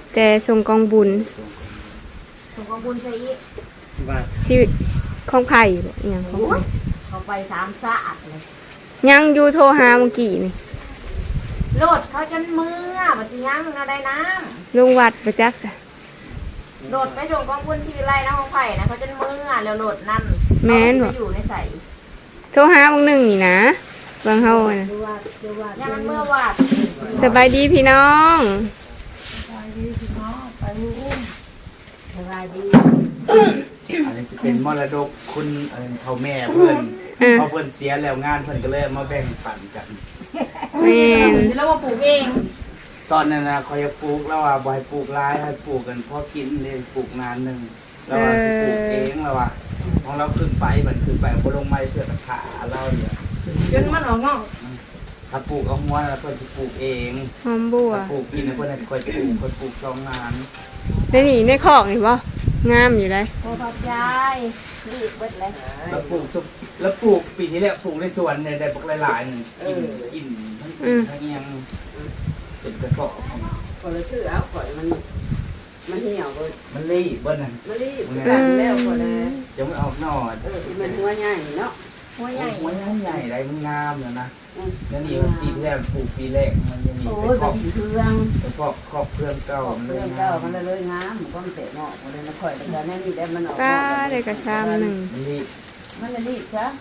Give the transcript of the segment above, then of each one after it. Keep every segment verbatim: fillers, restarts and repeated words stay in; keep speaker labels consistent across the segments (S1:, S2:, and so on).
S1: แต่ส่งกองบุญ
S2: ส่งกองบุญใช่อี
S1: ชีวิตของไผ่บ่อีหยังของไผ่
S2: เขาไปสามสะอาดเลย
S1: ยังอยู่โทรหาเมื่อกี้นี่
S2: โลดเขาจนมือมันสิยังเอาได้น้
S1: ำลงวัดประจักษ์ซะ
S2: โลดไปส่งกองบุญชีวิไลนะของไผ่นะเขาจนมือแล้วโลดนั่น
S1: แม่นบ่
S2: อยู่ในใส่
S1: โทรหาบางหนึ่งนี่นะบางเฮาน่ะ
S2: ยังมันเมื่อวาด
S1: สบายดีพี่น้อง
S2: สบายดีพี่น้องไปอุ้มสบายดี
S3: อันนี้จะเป็นมรดกคุณเขาแม่เพื่อนเขาเพื่อนเสียแล้วงานเพื่อนก็เลยมาแบ่งปันกัน
S1: แม่
S2: แล้วมาปลูกเอง
S3: ตอนนั้นนะเขาจะปลูกแล้วว่าบ่ให้ปลูกร้ายให้ปลูกกันพอกินเลยปลูกนานหนึ่งแล้วว่าจะปลูกเองแล้วว่าของเราขึ้นไปมันขึ้นไปพอลงไม้เพื่อกระถาเราเนี่ย
S2: จนมันออกงอก
S3: ถ้าปลูกเอาหัวแล้วเพื่อนจะปลูกเอง
S1: หอมบัว
S3: ปลูกกินเพื่อนให้คอยปลูกคอยปลูกสองงาน
S1: ในนี่ในคอกนี่บ่งามอยู่เลย
S2: โอ้ขอบใจรีบเบิดเลย
S3: แล้วปลูกแล้วปลูกปีที่แล้วปลูกในสวนเนี่ยได้ปลูกหลายๆหนึ่งกินกินทั้งกินทั้งเงี้ยเป็นกระสอบ
S4: ก็เลยชื่อเอาก่อนมันมันเหี่ยวเลย
S3: มันรีบเบิ้ลนั่น
S4: มันรีบกันแล้วก็เลย
S3: จะไม่ออกนอด
S4: เออมันหัวใหญ่เนาะ
S2: หัวใหญ่
S3: หัวใหญ่ใหญ่ไรมันงามเลยนะนั่นนี่มันปีแรกปลูกปีแรกมันยังมี
S4: เป็นครอบเครื่อง
S3: เป็นครอบครอบเครื่องเก่า
S4: เครื่องเก่ามันเลยงามมันก็มันเตะเนาะมันเลยมาคอยแต่แน่นี่ได้มันออก
S1: ป้าได้กระชามหนึ่ง
S3: มันรีบ
S4: มันรีบจ้ะ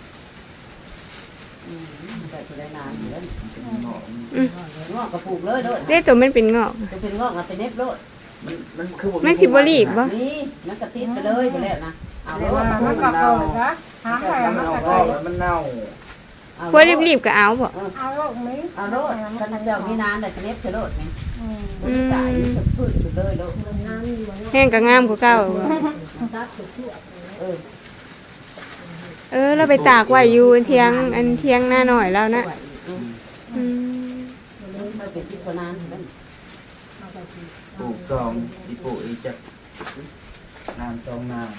S4: อืมแต่ตัวได้นานเลยงอกกระปุกเลยโดด
S1: ได้ตัวมันเป็นงอก
S4: จะเป็นงอกมาเป็นเน็บโดด
S3: มันมันคือ
S1: มันสิบรีบบ่
S4: นี่มันกระติดไปเลยไปแล้วนะเอาเลยว่า
S2: มันกระโดดนะหางไข่
S3: มันกระโดดมันเน่า
S1: พวกรีบๆก็เอาบ่
S2: เอาโลดมั้ย
S4: เอาโลดกันเจ้ามีนานแต่เน็บจะโลดนี่อืมตายสุดสุดเลยโลด
S1: แห้งก็งามกว่าเก่า
S4: เออ
S1: เออเราไปตากไว้อยู่เที่ยงอันเที่ยงหน้าหน่อยแล้วนะอืม
S4: เราเป็นที่คนนั้น
S3: ปลูกสองสิปลูกอีกจะนานสองนาน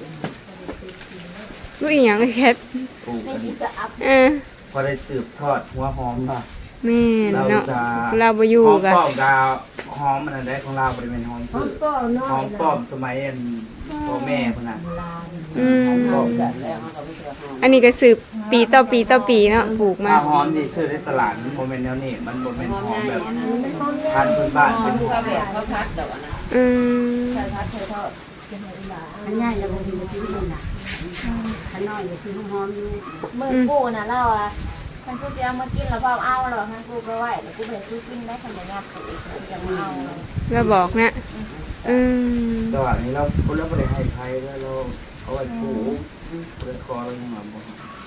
S1: ลูกอีหยังแคท
S3: ปลูกอันนี้
S1: เออ
S3: พอได้สืบทอดหัวหอมป่ะ
S1: แม่เนาะเราบ่อยู่
S3: กันหอมป้อมดาวหอมมันได้ของเราบริเวณหอมสื่อหอมป้อมสมัยอันพ่อแม่พนัน
S1: อืมอันนี้ก็สืบปีต่อปีต่อปีเนาะปลูกมา
S3: หอมนี่ซื้อในตลาดมันโมเมนต์แนวนี้มันโมเมนต์หอมแบบพันธุ์พื้นบ้านเป็นหอมแบบ
S4: เขาพัดดอกนะ
S1: อืม
S4: ใช่พัดเคยทอดอันใหญ่จะเป็นที่นี่นะอันน้อยจะคือหอมอยู่
S2: เมื่อกูน่ะเล่าอ่ะท่านกูจะเอามากินแล้วพอเอาหรอท่านกูไปไหวแล้วกูไปซื้อกินได้ขนมยาปูจะมาเอา
S1: เราบอกนะอืม
S3: ตอนนี้เราคนเราไม่ได้ให้ใครแล้วเราเอาไว้ปูเปิดคอเราอย่างแบบ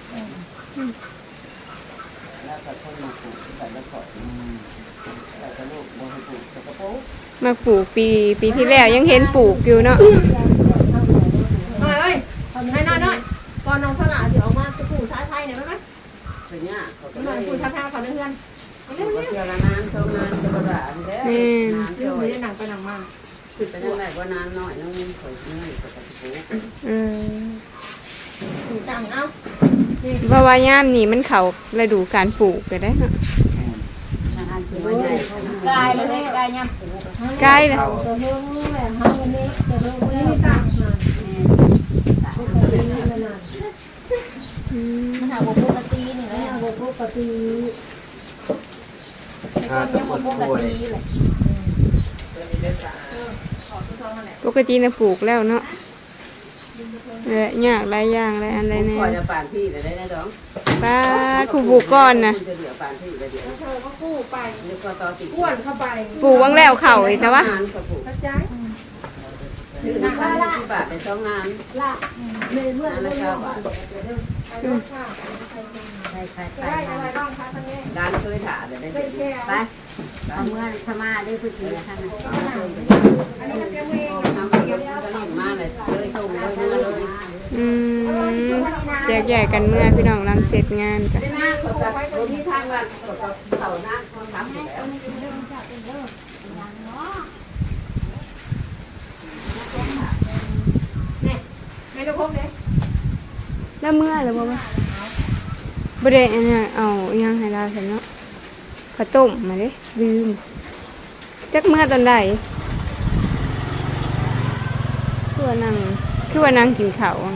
S4: แล้วก็คนมาปลูกใส่แล้วก็แต่กระลูกบนปลูกกระโปง
S1: มาปลูกปีปีที่แล้วยังเห็นปลูกอยู่เนาะ
S2: เฮ้ยให้น้อยน้อยก่อนน้องสลาเดี๋ยวมาจะปลูกสายไฟเนี่ยไหมไหม
S4: เป็นเนี่ยเขาจะ
S2: ปลูกท่าท่าเขาเพื่อน
S4: เรื่องเที่ยวละนานเท่านานจะประหลาดเด้อ
S2: นานเที่ยวไม่ได้หนังไปหนังมา
S4: คือเป็นยังไงว่านานหน่อยน้องข่อยเงินข่อยจะปลูก
S1: อืม
S2: ถูกตังเอ้า
S1: เพราะว่าย่ามนี่มันเขาฤดูการปลูกก็ได้เนาะ
S2: กายเลยกายย่ำปลูก
S1: กายเลย
S2: มันหาบุปผาตีนี่เลยหาบุปผาตียังบุปผาตีเลย
S1: ปกตินะปลูกแล้วเนาะเลยยากหลายอย่างหลายอันเลยเนี่ย
S4: ป่านที่ได้ได้ดอง
S1: ป้าคูปลูกก้อนนะ
S2: ปวนเข้าไป
S1: ปลูกวังแล้วเข่าอีกแต่ว่า
S4: ถือห้าสิบบาทเป็นสองงาน
S2: ละเมื่อเมื่อเมื่อ
S4: ได้อะไรบ้างคะท่านนี้ร้านเคยถาเลยได้ไปเอาเมื่อขม่าได้พื้นที่ท่านอันนี้ทำเองทำเองก็เล่นมาเลยเลยส่งเลยเมื่อเลย
S1: อืมแยกแยกกันเมื่อพี่น้องรังเสร็จงานกัน
S4: ที่ทางวันเสาหน้าคนทำแล้ว
S2: ไม่รู้พวกนี้
S1: แล้วเมื่อหรือว่าบริเวณเนี่ยเอายังให้เราเห็นเนาะข้าวต้มมาดิลืมจักเมื่อตอนใดคือว่านั่งคือว่านั่งกินข้าวอะ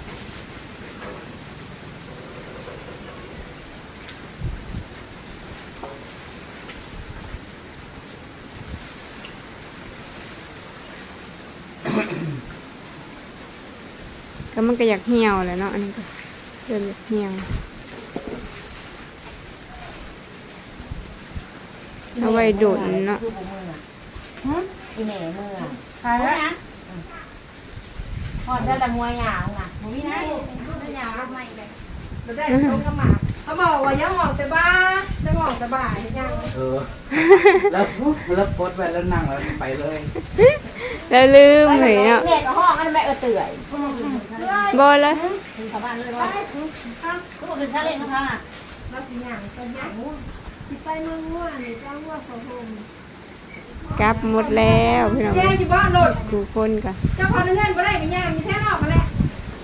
S1: ก็มันก็อยากเหี่ยวแหละเนาะอันนี้ก็เริ่มอยากเหี่ยวเอาไว้โดดเนาะ
S2: อีแม่เมื่อใครนะพอได้ละมวยหยาวน่ะมึงนี่นะหยาวรับไม่เลย
S5: เราได้เขาก็มาเขาบอกว่ายังออกแต่บ้าจะออกแต่บ่ายยัง
S3: เออแล้วแล้วกดไปแล้วนั่งแล้วไปเลย
S1: แล้วลืมเลยเนาะ
S2: เด็กห้องอันไม่เออเตื่อย
S1: บอแล้ว
S2: ถึงชาวบ้านเลยว่าเขาบอกถึงชาเล่นนะคะ
S5: เราสิหยังเป็นหยังสิไปเมืองม่วนนี่เจ้าว่าเขาโฮม
S1: กลับหมดแล้วพี่น้อง
S5: แย่อยู่บ้านโหลด
S1: ทุกคนกัน
S5: เจ้าพอเงินบ่ได้ก็ย่างมีแท้นอกมาแล้ว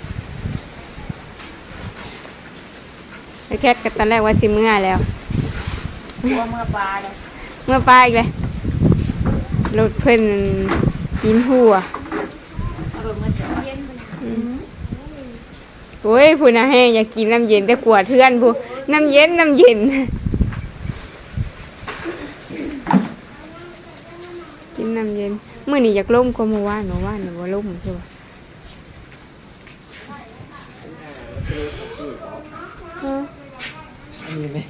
S1: ไอ้แคทกันตอนแรกว่าสิเมื่อแล้ว
S2: ตัวเมื่อปลาเลย
S1: เมื่อป้าอีกเลยรถเพิ่นกินหัว
S2: อารมณ์มันจะเย็น
S1: โอ้ยพูน่ะให้อยากกินน้ำเย็นแต่กลัวเทือนพูน้ำเย็นน้ำเย็นกินน้ำเย็นเมื่อนี้อยากล่มก็มาว่านมาว่านหนูว่าล่มใช่ปะฮะ
S6: อันนี้ไหม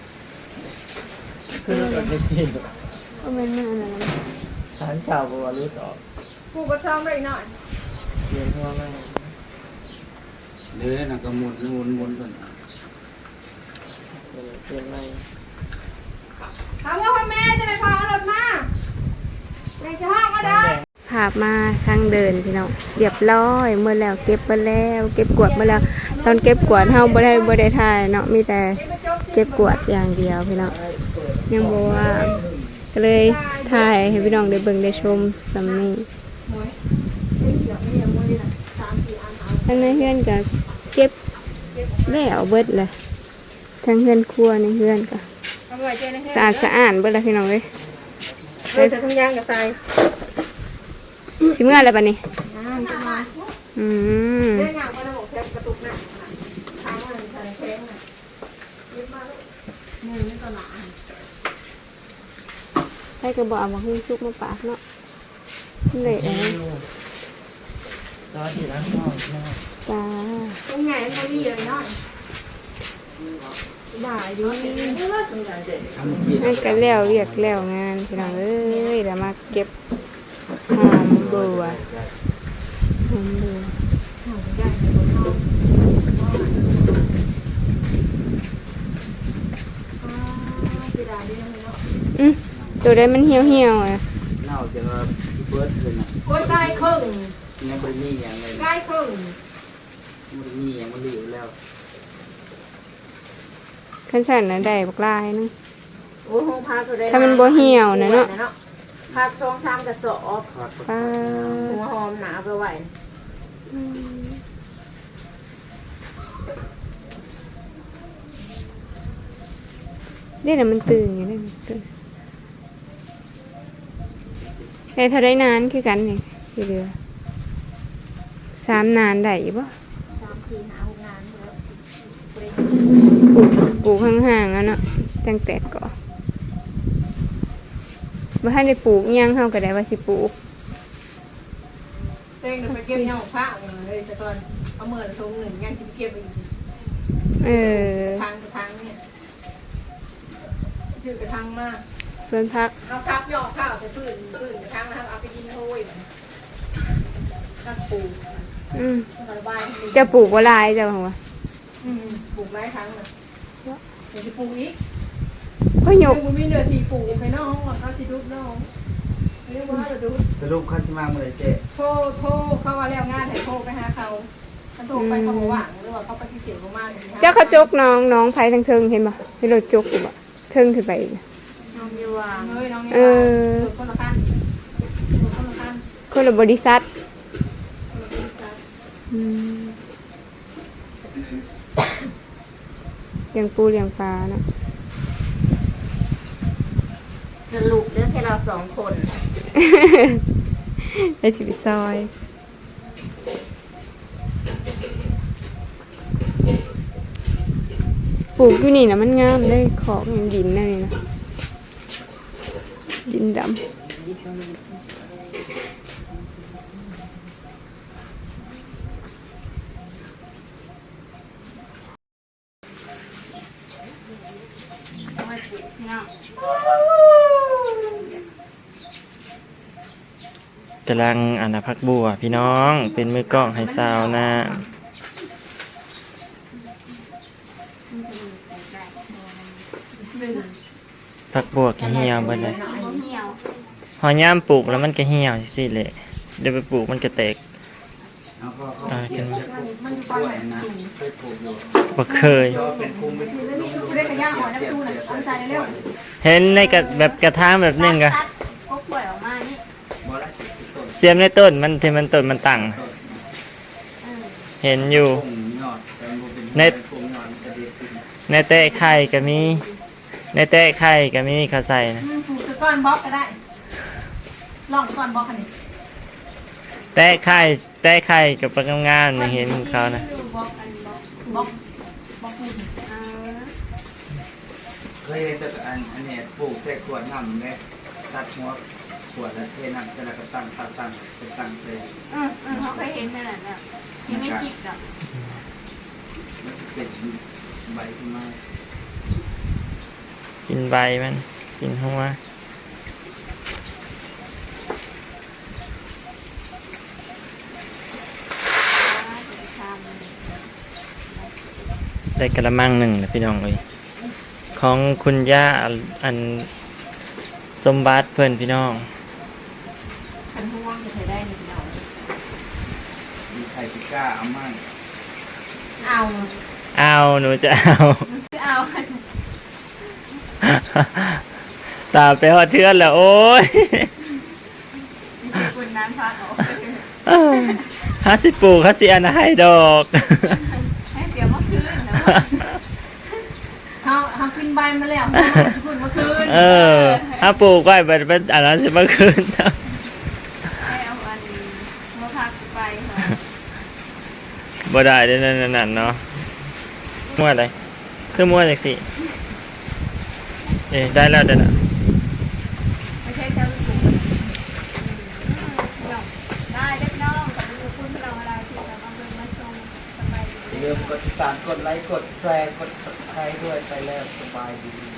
S6: คือรถไม่จริง
S1: ก็เป็นมันอะไรนะ
S6: ฐานเก่าบอกว่ารู้ต่อ
S5: กูก็ซ้อมได้หน่อย
S6: เรียนพ่อแม่
S3: เนื้อน่ะก็หมุนหมุนหมุนก่อน
S6: เรียนไม่
S5: ถามว่าพ่อแม่จะได้พาเอารถมาในจะห้องก็ได้
S1: ภาพมาทางเดินพี่น้องเรียบร้อยเมื่อแล้วเก็บมาแล้วเก็บกวาดมาแล้วตอนเก็บกวาดเฮาบ่ได้บ่ได้ถ่ายเนาะมีแต่เก็บกวาดอย่างเดียวพี่น้องยังบ่ว่า ก็เลยถ่ายให้พี่น้องได้เบิ่งได้ชมสำนี้ทั้งในเฮือนก็เก็บแล้วเบิดเลยทั้งเฮือนครัวในเฮือนก็
S5: ทำไว้เจนะ
S1: สะอาดสะอาดเบิดเลยพี่น้องเอ้ย
S5: เออใส่ถุงยางกับใส่
S1: สิเมื่ออะไรบัดนี้
S5: น้ำจะมา
S1: อืม
S5: เรื่องงานก็ต้องบอกแค่กระตุกหนักทางมันใส่แข้งน่ะยึดมาลูกมือนี่ตัวหนา
S1: ให้กระบอกเอามาหุ้มชุกมาปากเนาะเลยเอ้ย
S6: ซอสที่ร้านพ่อแม่
S1: จ้า
S5: ตรงใหญ่มันมีเลยเนาะบ่ายอยู่นี่
S3: ทำกิน
S1: ให้กันแล้วเรียกแล้วงานพี่น้องเอ้ยเดี๋ยวมาเก็บหอมบัวหอมบัว
S5: ใหญ่ตัวน้องอ๋อสีดาดีนะเนาะ
S1: อืมตัวได้มันเหี่ยวเหี่ยวๆอ่ะ
S3: เน่าจะว่าสิเบิร์ดเลยนะ
S5: โอ้ยใกล้ครึ่ง
S3: ยังไม่มีอย่างเลย
S5: ใกล้ครึ่ง
S3: มันมีอย่างมันเหลวแล้ว
S1: ขั้นสั่นนะได้บักลายนึง
S2: โอ้โหพาตัวได้
S1: ถ้ามันบ่เหี่ยวนะเนาะ
S2: พาสองชามกระสอบ
S3: ทอด
S1: ป้า
S2: หัวหอมหนาไปไหว
S1: เดี๋ยวนะมันตื่นอยู่ได้มันตื่นแต่ถ้าได้นานคือกันนี่คือเดือสามนานได้ปะ
S2: สามสี่หาหกงานแล้ว
S1: ปลูกปลูกห่างๆอ่ะเนาะจังแตกก่อบ่ทันได้ปลูกอิหยังเฮาก็ได้ว่าสิปลูก
S5: เต้งไปเก็บยาของพระเลยแต่ตอนเอาเมื่อทงหนึ่งยังจะเก็บไปอีก
S1: เออ
S5: ทางกับทางเนี่ยชื่อกระทังมาก
S1: ส่วนพัก
S5: เอาซับยอข้าวใส่ปืนปืนกระทังแล้วเอาไปกินโอยตักปู
S1: อืม
S5: ระบาย
S1: จะปลูกบ่หลายจ้ะว่า
S5: ปลูกไม้ครั้งน่ะเดี๋ยวจะปลูกอีก
S1: ก็ย
S5: ยั
S1: ก
S5: งมีเนื้อที่ปลูกไปน้องเขาสิดุน้องเรียกว่าเราดู
S3: สรุปข้าสิมาเมื่อไรเจ๊
S5: โทรโทรเขาว่าแล้วงานให้โทรไปหาเขาถ้าโทรไปเขาบอกว่างหรือว่าเขาปฏิเสธเขามาก
S1: เจ้าเขาจกน้องน้องไผทางเทิงเห็นบ่ให้รถจกอยู่บ่เทิงขึ้นไปอีกน่ะ
S2: น้องมีวาง
S5: เฮ้ยน้องนี่
S1: เออ
S5: คนละขั้นคนละขั้น
S1: คนละบริษัท
S5: คนละขั้น
S1: อืมเลี้ยงปูเลี้ยงปลาเนาะ
S2: สรุปเรื่องแค่เราสองคน
S1: ได้ชีวิตซอย
S2: เ
S1: ปลูกอยู่นี่นะมันงามได้ของอย่างดินนั่นนี่นะดินดำ
S6: กำลังอันนะพักบัวพี่น้องเป็นมือกล้องให้สาวนะพักบัวก็เหี่ยวไปเลยหอยย่ามปลูกแล้วมันก็เหี่ยวสิแหละเดี๋ยวไปปลูกมันก็แตก
S3: แล้วก็เขาเขียนจะปลูกกล้วยนะเคยปลูกอยู่
S6: บ่เคย
S3: ก็เป็นภูมิเป็นภูมิ
S5: เรียกกระย่างหอยน้ำตู้น่ะเอาใส่เร็ว
S6: เห็นในกระแบบกระถางแบบนึงก็
S1: ก็ป่วยออกมานี่
S3: บ่ละสิบต้น
S6: เสียมในต้นมันที่มันต้นมันตั้งเห็นอยู่
S3: พุ่งยอดแต่มันเป็น
S6: ใน
S3: พุ่งยอดมันจะเด็ดขึ้น
S6: ในแตะไข่ก็มีในแตะไข่ก็มีเขาใส่นะ
S5: อืมปลูกตะก้อนบล็อกก็ได้ลองตะก้อนบล็อกอันนี้
S6: แตะไข่แตะไข่กับปลางามๆนี่เห็นเขานะ
S5: บล็อกอันบล็อกบล็อกบล็อกปูน
S3: เคยเห็นแต่อันอันเนี้ยปลูกใส่ขวดน้ำเนี่ยตัดหัวขวดแล้วเทน้ำเสร็จแล้วก็ตั้งตั้งตั้งเป็นตั้งเลย
S1: เออเออเขาเคยเห็นขนาดนั้นยังไม่คิดหรอก
S3: มันจะเป็นใบขึ้นมา
S6: กินใบมันกินหัวได้กระมังหนึ่งนะพี่น้องเลยของคุณย่าอันสมบัติเพื่อนพี่น้อง
S5: ขันห่วงจะใช้ได้หนึ่งเนาะ
S3: มีไข่ปิก้าเอามั่ง
S5: เอา
S6: เอาหนูจะเอา
S5: เอา
S6: ตามไปหอดเทือนแล้วโอ้ย
S1: คุณน้ำพักออก
S6: ห้าสิบปลูกห้าสิอันให้ดอก
S1: ให้เสียเมื่อคืนนะ
S5: เอาเอากินใบมาแล้วคุณเมื่อคืน
S6: เออถ้าปลูกไว้เป็นเป็นอันนั้นสิเมื่อคืน
S1: ให้เอาอันเมื่อพักไปค่ะ
S6: บ่ได้เด้อนั่นนั่นเนาะมั่วอะไรคือมั่วจังสิเอ๊ะได้แล้วเด้อนะ
S1: ไม่ใช่เจ้าลูกได้เล็กน้องกับลูกคุณเราอะไรที่เราเอาเงินมาส่งสบาย
S3: อย่าลืมกดติดตามกดไลค์กดแชร์กด subscribe ด้วยไปแล้วสบายดี